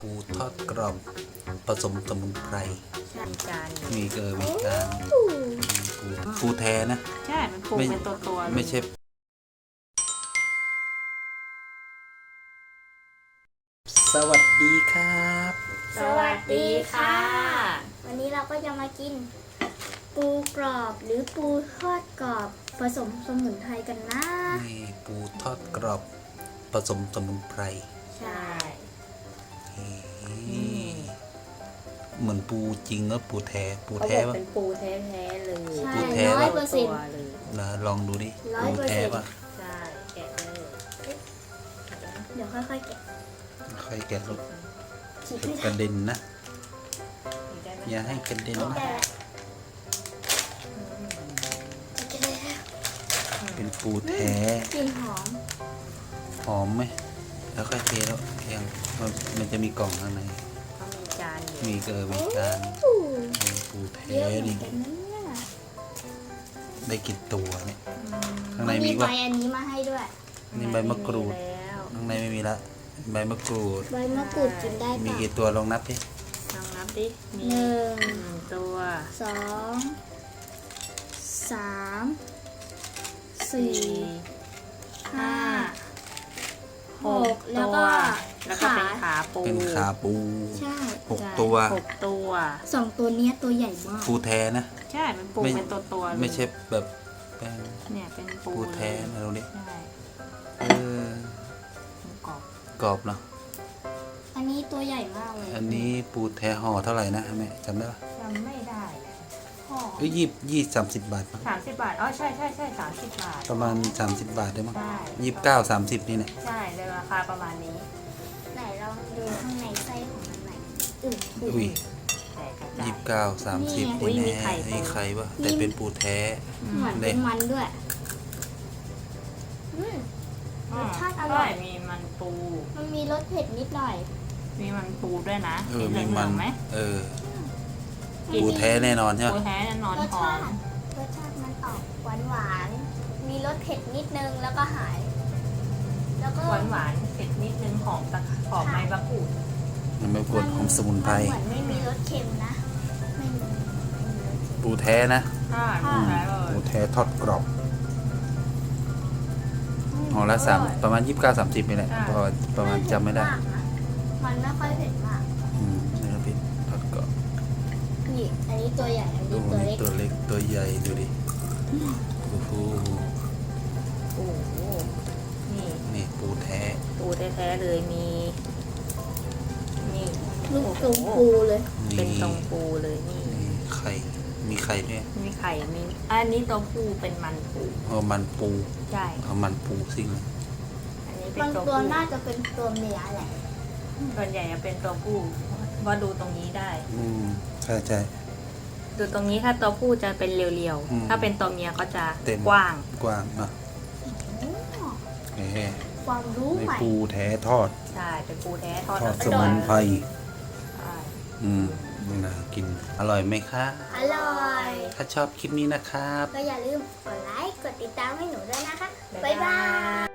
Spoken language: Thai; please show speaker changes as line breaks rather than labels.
ปูทอดกรอบผสมสมุนไพรมีการปูแท้นะ
ใช่มันปูเป็นตัว
ไม่ใช่สวัสดีครับ
สวัสดีค่ะ วันนี้เราก็จะมากินปูกรอบหรือปูทอดกรอบผสมสมุนไพรกันนะ
นี่ปูทอดกรอบผสมสมุนไพร
ใช่
เหมือนปูจริงแล้วปูแท้
ป่ะเป็นปูแท้ๆเลย
ปูแท้
100%
เลย
นะลองดูดิปูแท้ป่ะ
ใช่แกะเลย
เดี๋ยวค่อยๆแกะ
ค่อยแกะลูกกระเด็นนะอย่าให้กระเด็นนะเป็นปูแท้
กลิ่น
หอมไหมแล้วค่อยเทแล้วยังมันจะมีกล่องข้างใน
เขามีจาน
มีจานปูแท้นี่ได้กี่ตัวเนี่ยข้างในมีว่า
ใบอันนี้มาให้ด้วย
นี่ใบมะกรูดข้างในไม่มีละใบมะกรูด
กินได้
มีกี่ตัวลองนับดิ
ลองนับดิมี1ตัว
2 3 4 5 6แล้วก็
เป็นขา
ปู
ใช่
6 ตัว
2 ตัวนี้ตัวใหญ่มาก
ปูแท้นะ
ใช่มันปูเป็นตัว
ไม่ใช่แบบ
เนี่ยเป็น
ปูแท้นะตรงนี้กรอบเนาะ
อันนี้ตัวใหญ่มากเลย
อันนี้ปูแท้ห่อเท่าไหร่นะแม่จำได้ปะ
จำไม่ได้
ห่อ30 บาท
30 บาทอ๋อใช่30 บาท
ประมาณ30 บาทได้มั้ง29-30นี่แหละ
ใช่เลยราคาประมาณนี้
ไหนลองดูข้างในไส้ของมันหน่อย
อุ้ย29-30นี่แน่ไอ้ไข่ปะแต่เป็นปูแท้
เหมือนเป็นมันด้วยรสชาติอร่อย
มีมันปู
มันมีรสเผ็ดนิดหน่อย
มีมันปูด้วยนะ
มีมันไหมปูแท้แน่นอนใช่ไหม
ปูแท้แน่นอนหอม
รสชาติมันออกหวานมีรสเผ็ดนิดนึงแล้วก็หายแล้วก็
หวานเผ็ดนิดนึงหอมใบมะกรูด
ใบมะกรูดหอมสมุนไพร
เหมือนไม่มีรสเค็มนะไม่มี
ปูแท้นะ
ปู
แท้ทอดกรอบห่อละประมาณ29-30นี่แหละประมาณจำไม่ได้
มันไม่ค่อยเผ็ดมาก
เนื้อเป็ดทอดกรอบ
นี่อันนี้ตัวใหญ่อันนี้
ตัวเล็กตัวใหญ่ดูดิโอ้โหนี่ปูแท้
เลยมี
ลูกตรงปูเลย
เป็นตรงปูเลยนี่
ไข่มีไข่ด้วย
มีไข่มีอันนี้ตัวปูเป็นมันปู
มันปู
ใช่
มันปูซิ่ง
อันนี้เป็นตัวน่าจะเป็นตัวเมียแหละ
ส่วนใหญ่จะเป็นตัวผู้ว่าดูตรงนี้ได้
ใช่
ดูตรงนี้ถ้าตัวผู้จะเป็นเรียวๆถ้าเป็นตัวเมียเขาจะกว้าง
นะ
ความรู้ใหม่
ปูแท้ทอด
ใช่เป็นปูแท้ทอด
สมุนไพรน่ากินอร่อยไหมคะ
อร่อย
ถ้าชอบคลิปนี้นะครับ
ก็อย่าลืมกดไลค์กดติดตามให้หนูด้วยนะคะบ๊ายบาย